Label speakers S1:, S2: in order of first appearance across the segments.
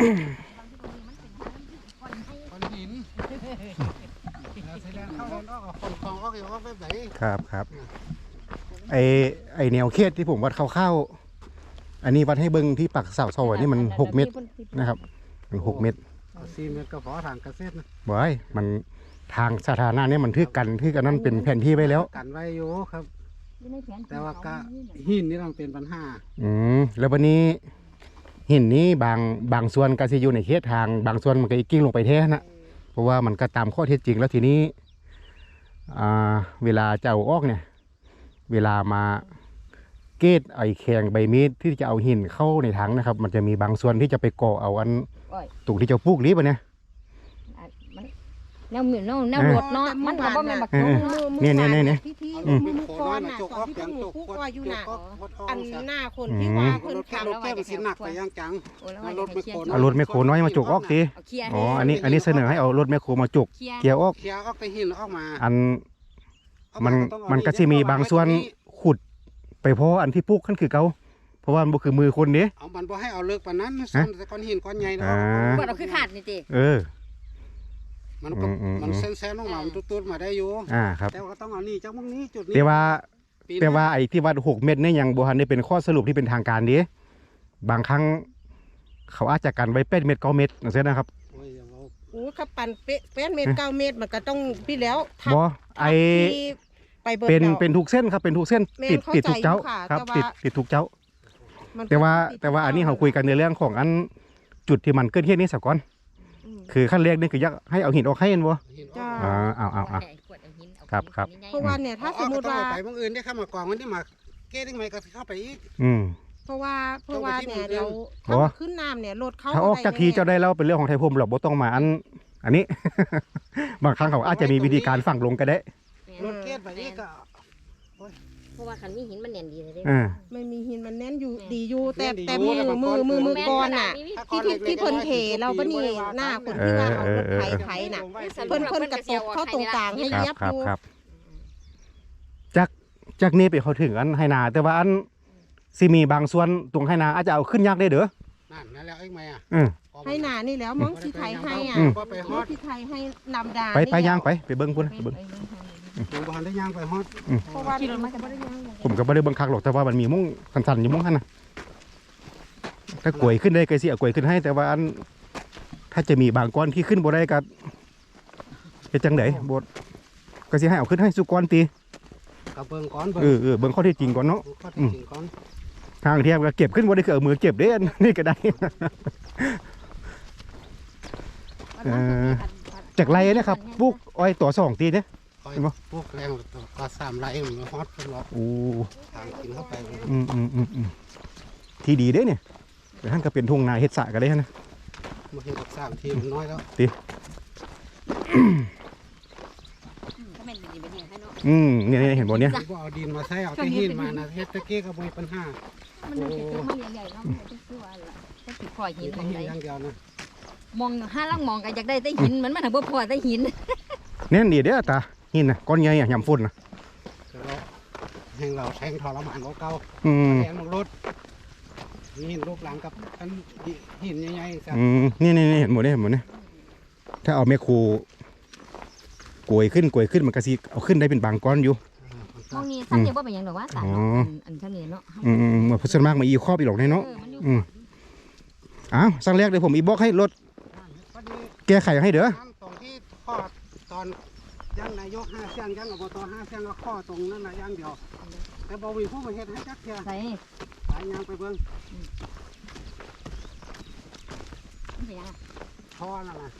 S1: คนหินเข้าแล้วออกคนคลองออกอยู่ออกแบบไหน
S2: ครับไอแนวเขตที่ผมวัดคร่าวๆอันนี้วัดให้เบิ้งที่ปักเสาโซ่นี่มัน6 เมตรนะครับมัน6 เมตร
S1: 4 เมตรก็พอทางเกษตรนะ
S2: บ่อยมันทางสาธารณะเนี่ยมันทึกกันนั้นเป็นแผนที่ไว้แล้ว
S1: กันไว้อยู่ครับแต่ว่าก็หินนี่ต้องเป็นปัญหา
S2: แล้ววันนี้หินนี้บางส่วนก็จะอยู่ในเขตทางบางส่วนมันก็กิ้งลงไปแท้นะเพราะว่ามันก็ตามข้อเท็จจริงแล้วทีนี้เวลาจะเอาออกเนี่ยเวลามาเกตไอแข็งใบมีดที่จะเอาหินเข้าในถังนะครับมันจะมีบางส่วนที่จะไปก่อเอาอันตุกที่จะปลูกรีบเนี่ย
S3: แนวเหมือนแนวรถเนาะมันก็บ่แม่นบัก
S2: เนี่ย
S4: มือก่อนน่ะก่อนที่หนูพูดว่าอยู่น่ะอันหน้าคนที่ว่าเพิ่นขับ
S1: แล้วแก้มสิหนักไปย่างจังรถ
S2: แมคโครน้อยมาจุกออกทีอ๋ออันนี้เสนอให้เอารถแมคโครมาจุกเกี่ยวออก
S1: ไปหินออกมา
S2: อันมันก็จะมีบางส่วนขุดไปเพราะอันที่ปลูกขั้นคือเก่าเพราะว่ามันคือมือคนนี้
S1: เอามันบ่ให้เอาเลิกปานนั้นแต่ก้อนหินก้อนใหญ่เนาะ
S3: บ่เอาคือขาดนี่ติ
S1: มันเส้นๆลงมามันตุ้ดๆมาได้อยู่
S2: ครับ
S1: แต่ก็ต้องเอานี่จากตรงนี้จุดนี้
S2: แต่ว่าไอ้ที่วัด6 เมตรเนี่ยยังบ่ทันได้เป็นข้อสรุปที่เป็นทางการดิบางครั้งเขาอาจจะกันไว้8 เมตร 9 เมตรจังซี่นะครับ
S4: โอ้ครับปั่น8 เมตร 9 เมตรมันก็ต้องพี่แล้ว
S2: บ่ไอเป็นทุกเส้นครับเป็นทุกเส้นติดทุกเจ้าครับติดทุกเจ้าแต่ว่าอันนี้เขาคุยกันในเรื่องของอันจุดที่มันเกิดเหตุนี้ซะก่อนคือขั้นแรกนี่คืออยากให้เอาหินออกให้เห็นบ่เอาครับ
S4: เพราะว่าเนี่ยถ้าสมมติว่า
S1: ไปบางอื่นได้เข้ามากองมันที่มาเก้ได้ไหมก็เข้าไปอีก
S4: เพราะว่าเนี่ยเราขึ้นน้ำเนี่ยรถเข้า
S2: ถ้าออกจากทีเจ้าได้แล้วเป็นเรื่องของไทยพรมหรอกบ่ต้องมาอันนี้บางครั้งเขาอาจจะมีวิธีการฝังลงก็ได้
S1: รถเก้ไปอีกก็
S3: เพราะว่าคันมีหินมันแน่นดีเลย
S4: ไม่มีหินมันแน่นอยู่ดีอยู่แต่มือก่อนน่ะที่เพิ่นเทเราปะนี่หน้าคนที่ว่าเอารถไถน่ะเพิ่นกระตกเข้าตรงกลางให้ยับอยู่
S2: จากนี้ไปเขาถึงอันไหนาแต่ว่าอันซีมีบางส่วนตรงไหนาอาจจะเอาขึ้นยากได้เด้อ
S1: นั่นแล้วเองไหม
S4: ไหนานี่แล้วมองที่ไทยให้ที่ไทยให้นำดา
S2: ไปย่างไปเบิ้งพุ่นไปเบิ้ง
S1: ผมบ้านได้ย่างไปฮอด
S4: เพราะว่ามันจะไม่ได้ย่าง
S2: ผมก็ไม่ได้บังคับหรอกแต่ว่ามันมีมุ้งสันๆอยู่มุ้งหันนะถ้ากล้วยขึ้นได้ก็สิเอากล้วยขึ้นให้แต่ว่าอันถ้าจะมีบางก้อนที่ขึ้นบ่ได้ก็เป็นจังได๋บ่ก็สิให้เอาขึ้นให้สุก้อนตี
S1: กับเบิ่งก้อน
S2: เบิ่งข้อเท็จจริงก่อนเนาะทางเทียบก็เก็บขึ้นบ่ได้คือเอามือเก็บเด้นี่ก็ได้จากไรเนี่ยครับปลูกอ้อยตัว2 ตีเนี่ย
S1: พวกแรงก็3 ไร่มันฮอตเป็นหรอกทางกินเข้าไป
S2: ที่ดีเด้เนี่ยแต่ท่านก็เป็นทุ่งนาเฮ็ดสระกันได้นะ
S1: มาเห็นกับ3 ทีมันน้อยแล้ว
S2: ตีเนี่ยเห็นบ่เนี่ย
S1: เอาดินมาใส่เอาที่หินมานะเฮ็ดตะกี้ก็บ่มีปัญหา
S3: มันจะจุกมาใหญ่ๆเนาะมันจะคือว่าล่ะจะสิพอหินตรงไหน
S1: อย่างเดียวนะ
S3: มองห้าลังมองก็อยากได้แต่หินมันถึงบ่พอแต่หิน
S2: แน่นดีเด้อตาหินน่ะก้อนใหญ่ยำฝุ่นน่ะ
S1: เราแทงทรมานเก่าแทงรถหินลูกหลังกับหินใหญ่
S2: ๆนี่เห็นหมดเนี่ยถ้าเอาแม่ครูกวยขึ้นมันก็สิเอาขึ้นได้เป็นบางก้อนอยู่
S3: มองนี่ท่านเดียวว่าเป็นยังหรอวะตาอันท่านนี้เนาะ
S2: เหมือนพุทธมากมาอีครอบอีหลอกในเนาะสั่งแรกเดี๋ยวผมอีบอกให้รถแก้ไขให้เด้อ
S1: ตรงที่ข้อตอนย่างนายก5 เสียงย่างอบต5 เสียงก็ข้อตรงนั้นนะย่างเดียวแต่บ่มีผู้มาเฮ็ดให้จักเที่ย
S3: ไป
S1: ย่างไปเบิ่งท่อนั่นน่ะ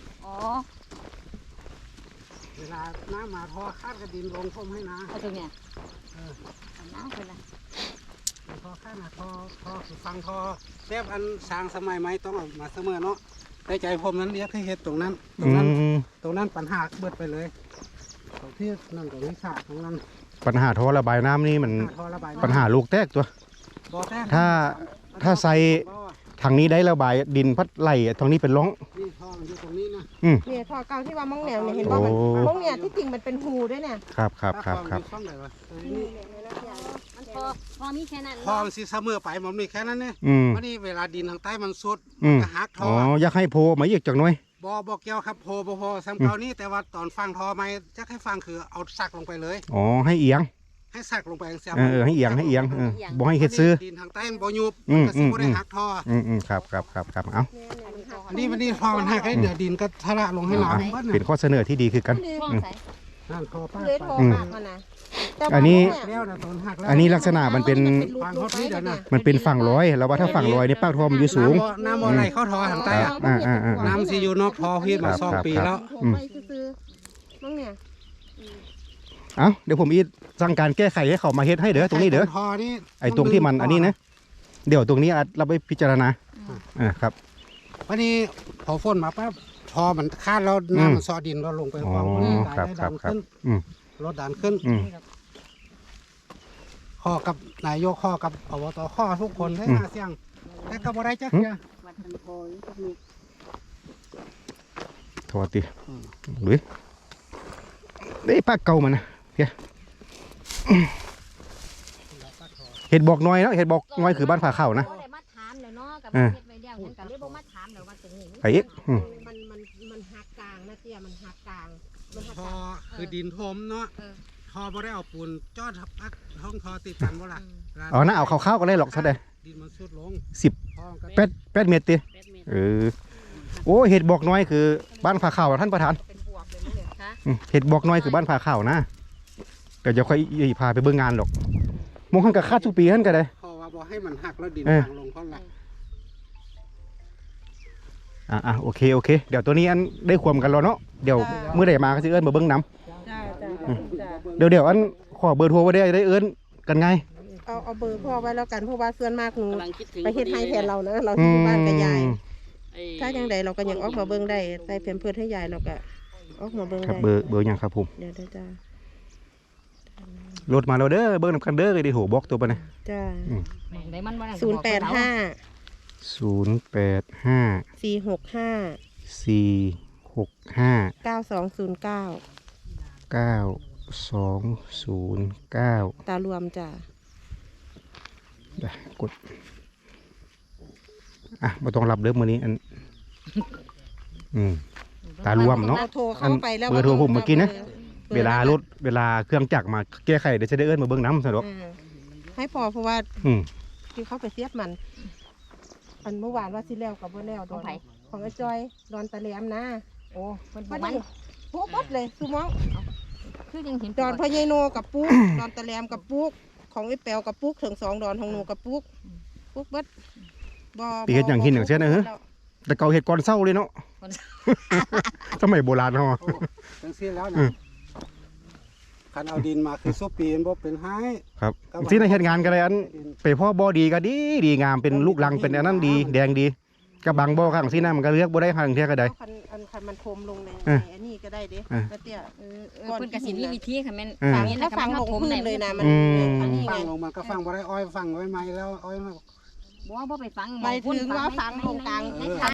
S1: เวลาน้ำมาท่อคาดกระดินลงท่วมให้นะ
S3: เอาตรงเนี้ยน้ำเป็นไร
S1: ท่อคาดนะท่อฟังท่อแทบอันสร้างสมัยใหม่ต้องเอามาเสมอเนาะได้ใจผมนั้นเรียกให้เฮ็ดตรงนั้นปัญหาเบิดไปเลยตรงที่นั่นตรงนี้ฉากตรงนั้น
S2: ปัญหาท่อระบายน้ำนี่มันปัญหาลูกแตกตัวถ้าใส่ทางนี้ได้ระบายดินพัดไหลทางนี้เป็นร่อง
S1: นี่ท่อมันอยู่ตรงนี้นะ
S4: เนี่ยท่อเก่าที่ว่ามองแนวเนี่ยเห็นว่ามันมองเนี่ยที่จริงมันเป็นหูด้วยเนี่ย
S2: ครับ
S3: มันพอมีแค่นั้น
S1: พอมันสิเสมอไปมันมีแค่นั้นเนี่ย วันนี้เวลาดินทางใต้มันสุดก็หักท
S2: อ๋
S1: อ
S2: ออยากให้โพมาอีกจักหน่อย
S1: บ่เกี่ยวครับโพบ่พอซ้ำเก่านี้แต่ว่าตอนฟังทอไม่จะให้ฟังคือเอาสักลงไปเลย
S2: อ๋อให้เอียง
S1: ให้สักลงไปเสีย
S2: ให้เอียงบ่ให้เฮ็ดซื้อ
S1: ดินทางใต้มันบ่ยุบก็สิบ่ได้หักทอ
S2: ครับเอา
S1: อันนี้ทอมันหักให้เดี๋ยวดินก็ทะละลงให้น้ำเบิด
S2: เป็นข้อเสนอที่ดีคือกัน
S3: ห้องใส่
S1: นั่นทอป้า
S4: เลยโทรมากมานะ
S2: อันนี้
S1: แล้วนะตอนหักแล้ว
S2: อันนี้ลักษณะมันเป็น
S1: ฟังเขาที่เดี๋ยวนะ
S2: มันเป็นฝั่งร้อยแล้วว่าถ้าฝั่งร้อยนี่ปากทอมอยู่สูง
S1: น้ำบ่ไหลเข้าทอทางใต้อะน้ำสิอยู่นอกทอพีดมา2 ปีแล้ว
S4: ไปซื้อน้องเนี่ย
S2: เอ้าเดี๋ยวผมอีทสั่งการแก้ไขให้เขามาเฮ็ดให้เด้อตรงนี้เด้อ
S1: ทอนี่
S2: ไอ้ตรงที่มันอันนี้นะเดี๋ยวตรงนี้เราไปพิจารณาครับ
S1: วันนี้พอฝนมาปั๊บทอมันคาดแล้วน้ำมันซอดินเราลงไปความได้ดันขึ้นรถดันขึ้นข้อกับนายกข้อกับอบตข้อทุกคนได้มาเสียงแต่ก็บ่ได้จักเนี่ย
S3: วัดทันโพยก็มี
S2: โทษทีหรือได้ปากเก่ามันนะเพียเห็ดบอกน้อยเนาะเห็ดบอกน้อยคือบ้านผาเข้านะ
S3: บ่ได้มาถามแล้วเนาะกับเฮ็ดไว้แล้วฉันก็เลยบ่มาถามแล้วว่าตรงนี้
S2: ไอ้เอ๊ะ
S4: มันหักกลางนะเตี้ยมันหักกลางมันหัก
S1: ท
S4: ก
S1: อ
S4: ลาง
S1: คือดินทมเนาะทอบ่ได้เอาปูนจอดพักห้องทอติดกันบ่ล่ะ
S2: อ๋อน่าเอาข้าวๆก็ได้หรอกเท่าใด
S1: ดินมันสุดลง
S2: 8 เมตรติโอ้เห็ดบอกน้อยคือบ้านผาเข้าท่านประธาน
S4: เป็นบวกเลยเนี่ย
S3: ค่ะ
S2: เห็ดบอกน้อยคือบ้านผาเข้านะเดี๋ยวจะค่อยพาไปเบิ่งงานหรอกมองหันกับคาดทุกปีท่านก็ได้
S1: พอว่าบ่ให้มันหักแล้วดินทางลงเพราะละ
S2: โอเคเดี๋ยวตัวนี้อันได้ความกันแล้วเนาะเดี๋ยวเมื่อใดมาก็สิเอิ้นมาเบิ่งน้ำ
S4: จ้า
S2: เดี๋ยวอันขอเบอร์โทรไว้ได้เอิ้นกันไง
S4: เอาเบอร์พ่อไว้แล้วกันเพราะว่าส่วนมากหนูไปเฮ็ดให้แทนเรานะเราที่อยู่บ้านกับยายถ้ายังใดเราก็ยังออกมาเบิ่งได้ใส่เพิ่มเพื่อให้ยายเราก็ออกมาเบิ่ง
S2: ครับ
S4: ได้
S2: เบอร์หยังครับผม
S4: เดี๋ยวจ้าร
S2: ถมาแล้วเด้อเบิ่งนำกันเด้อไอ้โหบอกตัวปะเนี่ย
S4: จ้า
S3: ได้มันบ่ได้
S4: 085 465
S2: 465
S4: 9209
S2: 9209
S4: ตารวมจ้า
S2: กดบ่ต้องรับเด้อมื้อนี้อันตารวมเนาะ
S4: เราโทรเข้าไปแล้ว
S2: เบอร์โทรผมเมื่อกี้นะ เวลเครื่องจักรมาแก้ไขเดี๋ยวจะได้เอิ้นมาเบิ่งน้ำซะดอก
S4: ให้พอเพราะว่าที่เขาไปเสียบมัน อันเมื่อวานว่าสิแล้วกับบ่แล้ว
S3: ของไผ
S4: ของไอ้จอยดอนตะแหลมนะ
S3: โอ้มันบ่
S4: วัน
S3: มัน
S4: นี้โป๊ะบดเลยสุมอง
S3: คือยังเห็น
S4: ดอนพ่อใหญ่โนกับปุ๊ก ดอนตะแหลมกับปุ๊กของไอ้แปวกับปุ๊กถึง2 ดอนของหนูกับปุ๊กปุ๊กบดบ่
S2: ปีเฮ็ดหยังหินหยังเสียนะเฮ้อ แต่เก่าเฮ็ดก่อนเช้าเลยเนาะ สมัยโบราณเฮา
S1: จังซี่แล้วนะคันเอาดินมาคือซุปปีนบ่เป็นไห้
S2: ครับที่ในเฮ็ดงานกันเลยอันไปพ่อบ่ดีก็ดีงามเป็นลูกลังเป็นอันนั้นดีแดงดีกับบางบ่ข้างที่นั่นมันก็เลือกบ่ได้ข้างเที่ยก็ได้
S4: คันมันทมลงในอันนี้ก็ได้เด้แล้วเตี้ย
S3: เพิ่นก็สิมีวิธีค่ะแม่น
S4: ฟัง
S3: นี้
S4: ถ้าฟังลงพื้นเลยนะมันอันนี้
S1: ฟั
S4: ไง
S1: งลงมันก็ฟังบ่ได้อ้อยฟังไว้ไหมแล้วอ้อยมา
S3: บ่ไปฟัง
S4: หมายถึงว่าฟังลงกลาง